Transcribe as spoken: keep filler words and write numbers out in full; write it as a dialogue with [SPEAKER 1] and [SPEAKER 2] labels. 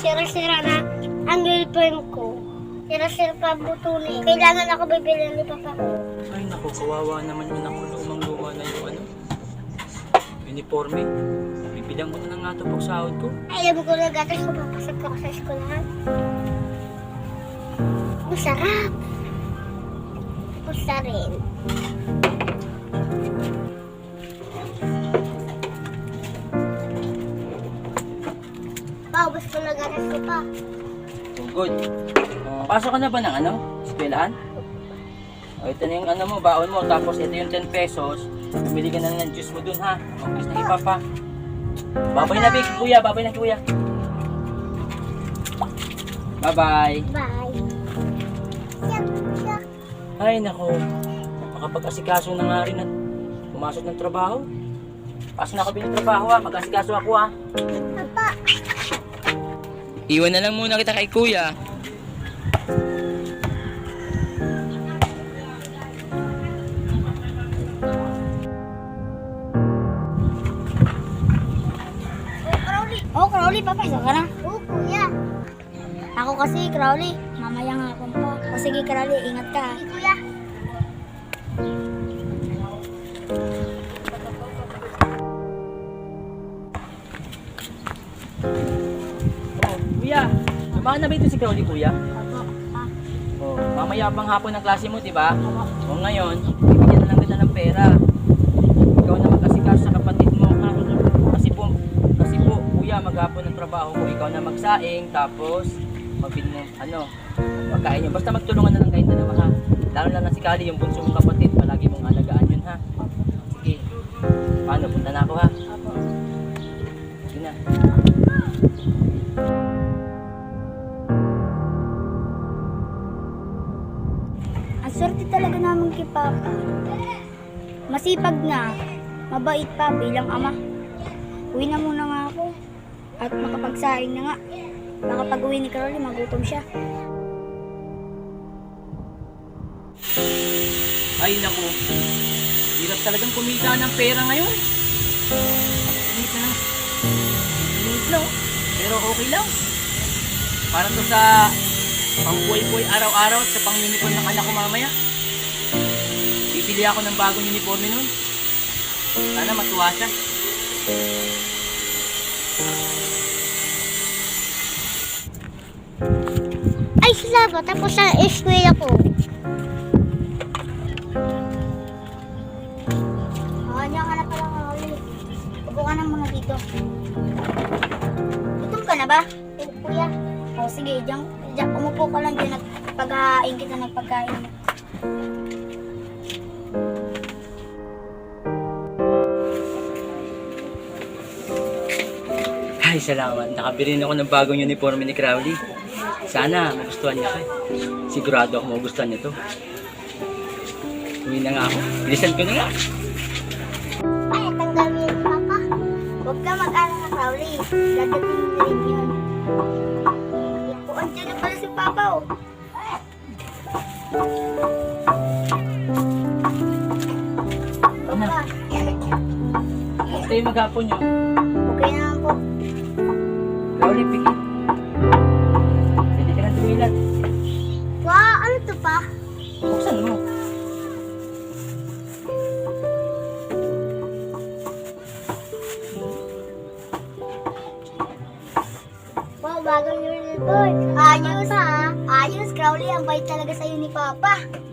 [SPEAKER 1] sira-sira na ang girlfriend ko. Sira-sira pa buto na eh. Kailangan ako bibili ni papa ko.
[SPEAKER 2] Ay naku, kawawa naman yun ako. Lumang-luma na yung ano. Uniforme. Bibilang mo na lang nga ito pag sahod ko.
[SPEAKER 1] Ay, alam ko na gatas ko papasok ako sa eskulahan. Masarap. Gusto rin. Paubos ko na gatas ko pa.
[SPEAKER 2] Oh, good. Uh, pasok ka na ba ng ano? Eskwelahan? O, ito na yung ano mo, baon mo. Tapos ito yung ten pesos. Bumili ka na ng juice mo dun ha. O, gusto na ipa pa. Babay na, Big. Kuya, babay na, kuya. Bye-bye.
[SPEAKER 1] Bye. Siyak, siyak.
[SPEAKER 2] Ay, nako. Makapag-asikaso na nga rin at pumasok ng trabaho. Pasok na ako trabaho ha. Mag-asikaso ako ha.
[SPEAKER 1] Papa.
[SPEAKER 2] Iwan na lang muna kita kay kuya.
[SPEAKER 1] Oh, Crowley, papasok ka na? Oo, kuya. Ako kasi, Crowley. Mamaya nga ako pa. O sige, Crowley, ingat ka. Sige, kuya.
[SPEAKER 2] Oh, kuya. Lumahan na ba ito si Crowley, kuya?
[SPEAKER 1] Opo. Ah,
[SPEAKER 2] Oh, mamaya pang hapon ng klase mo, di ba?
[SPEAKER 1] opo.
[SPEAKER 2] O ngayon, bibigyan na lang kita ng pera. Ikaw na mag-asikaso sa kapatid mo. Ha? Kasi po, kasi po, kuya, maghapon ng trabaho ko. Ikaw na magsaing, tapos magbili ng ano, pagkain nyo. Basta magtulungan na lang kayong dalawa ha. Lalo na lang si Kali, yung bunso mong kapatid. Palagi mong alagaan yun ha. Sige. Paano? Punta na ako ha.
[SPEAKER 1] Opo.
[SPEAKER 2] Sige na.
[SPEAKER 1] Ang swerte talaga namin kay Papa. Masipag na, mabait pa bilang ama. Uwi na muna nga ako. At makapagsaing na nga. Baka pag uwi ni Crowley, magutom siya.
[SPEAKER 2] Ay naku, hirap talagang kumita ng pera ngayon. Init na lang. Init lang. Pero okay lang. Para to sa pang-buhay-buhay araw-araw at sa pang-uniform ng anak ko mamaya. Bibili ako ng bagong uniforme nun. Sana matuwa siya.
[SPEAKER 1] Ay, salamat. Tapos sa eskwela ko. Ah, niya ka na pala nga ulit. Upo ka na muna dito. Gutom ka na ba? Eh, kuya. O sige, diyan, diyan, umupo ka lang dyan at paghahain kita ng pagkain.
[SPEAKER 2] Ay, salamat. Nakabili na ako ng bagong uniforme ni Crowley. Sana magustuhan niya kayo. Sigurado ako magustuhan niya to. Uwi na nga ako. Bilisan ko na nga.
[SPEAKER 1] Ay, tanggal mo yun, Papa. Huwag ka mag-alala, Crowley. Dadating na rin yun. O, andyan na pala si Papa, oh.
[SPEAKER 2] Ano?
[SPEAKER 1] Papa,
[SPEAKER 2] Basta yung maghapon nyo.
[SPEAKER 1] okay naman po.
[SPEAKER 2] Crowley, pikit. Pwede ka na tumilat.
[SPEAKER 1] Wow, ano to pa?
[SPEAKER 2] Buksan mo.
[SPEAKER 1] Wow, bagong uniform. Ayos ha. Ayos, Crowley. Ang bait talaga sa'yo ni Papa.